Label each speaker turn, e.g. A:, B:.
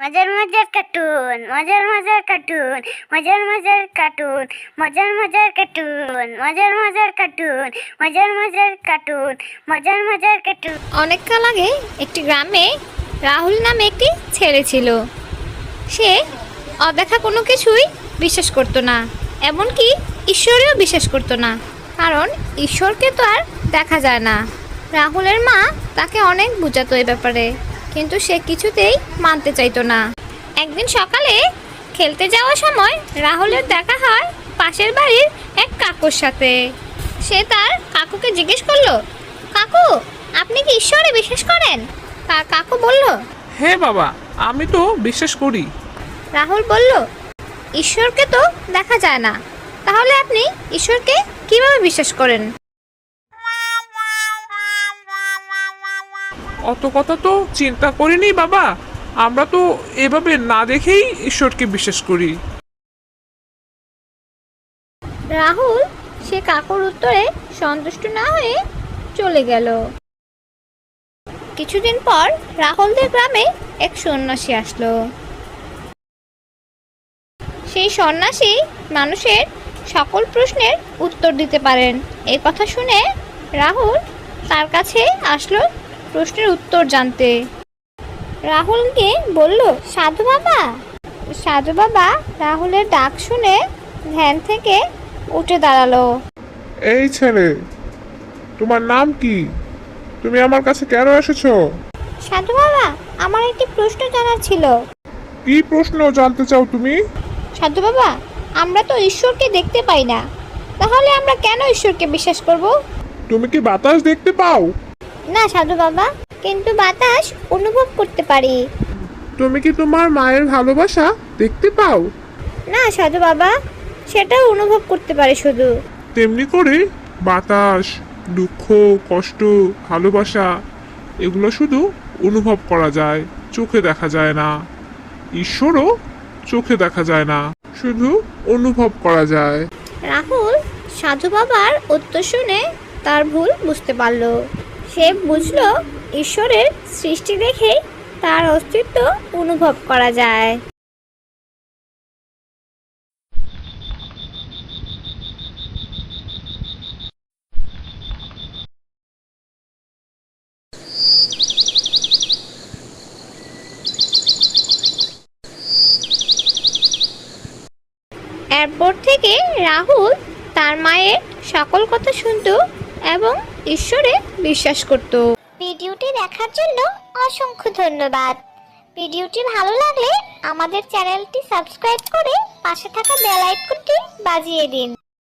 A: মজার মজার কার্টুন, মজার মজার কার্টুন, মজার মজার কার্টুন, মজার মজার কার্টুন, মজার মজার কার্টুন, মজার মজার কার্টুন, মজার মজার কার্টুন।
B: অনেককাল আগে একটি গ্রামে রাহুল নামে একটি ছেলে ছিল। সে অদেখা কোনো কিছুই বিশ্বাস করতো না, এমনকি ঈশ্বরেও বিশ্বাস করতো না, কারণ ঈশ্বরকে তো আর দেখা যায় না। রাহুলের মা তাকে অনেক বোঝাতো এই ব্যাপারে, কিন্তু সে কিছুতেই মানতে চাইতো না। একদিন সকালে খেলতে যাওয়ার সময় রাহুলের দেখা হয় পাশের বাড়ির এক কাকুর সাথে। সে তার কাকুকে জিজ্ঞেস করলো, কাকু, আপনি কি ঈশ্বরে বিশ্বাস করেন? কাকু বলল,
C: হ্যাঁ বাবা, আমি তো বিশ্বাস করি।
B: রাহুল বলল, ঈশ্বরকে তো দেখা যায় না, তাহলে আপনি ঈশ্বরকে কিভাবে বিশ্বাস করেন?
C: অত কথা তো চিন্তা করিনি বাবা, আমরা তো এভাবে না দেখেই ঈশ্বরকে বিশ্বাস করি।
B: রাহুল সে কাকুর উত্তরে সন্তুষ্ট না হয়ে চলে গেল। কিছুদিন পর রাহুলদের গ্রামে এক সন্ন্যাসী আসলো। সেই সন্ন্যাসী মানুষের সকল প্রশ্নের উত্তর দিতে পারেন। এই কথা শুনে রাহুল তার কাছে আসলো প্রশ্নের উত্তর জানতে। রাহুলকে বলল, সাধু বাবা। সাধু বাবা রাহুলের ডাক শুনে ধ্যান থেকে উঠে দাঁড়ালো।
D: এই ছেলে, তোমার নাম কি? তুমি আমার কাছে কেন এসেছো?
B: সাধু বাবা, আমার একটি প্রশ্ন জানার ছিল।
D: কি প্রশ্ন জানতে চাও তুমি?
B: সাধু বাবা, আমরা তো ঈশ্বরকে দেখতে পাই না, তাহলে আমরা কেন ঈশ্বরকে বিশ্বাস করব?
D: তুমি কি বাতাস দেখতে পাও?
B: না সাধু বাবা, কিন্তু বাতাস অনুভব করতে পারি।
D: তুমি কি তোমার মায়ের ভালোবাসা দেখতে পাও?
B: না সাধু বাবা, সেটাও অনুভব করতে পারি শুধু।
D: তেমনি করে বাতাস, দুঃখ, কষ্ট, ভালোবাসা এগুলো শুধু অনুভব করা যায়, চোখে দেখা যায় না। ঈশ্বরও চোখে দেখা যায় না, শুধু অনুভব করা যায়।
B: রাহুল সাধু বাবার উত্তর শুনে তার ভুল বুঝতে পারল। সে বুঝল ঈশ্বরের সৃষ্টি দেখে তার অস্তিত্ব অনুভব করা যায়। এরপর থেকে রাহুল তার মায়ের সকল কথা শুনত এবং ঈশ্বরে বিশ্বাস করত।
A: ভিডিওটি দেখার জন্য অসংখ্য ধন্যবাদ। ভিডিওটি ভালো লাগলে আমাদের চ্যানেলটি সাবস্ক্রাইব করে পাশে থাকা বেল আইকনটি বাজিয়ে দিন।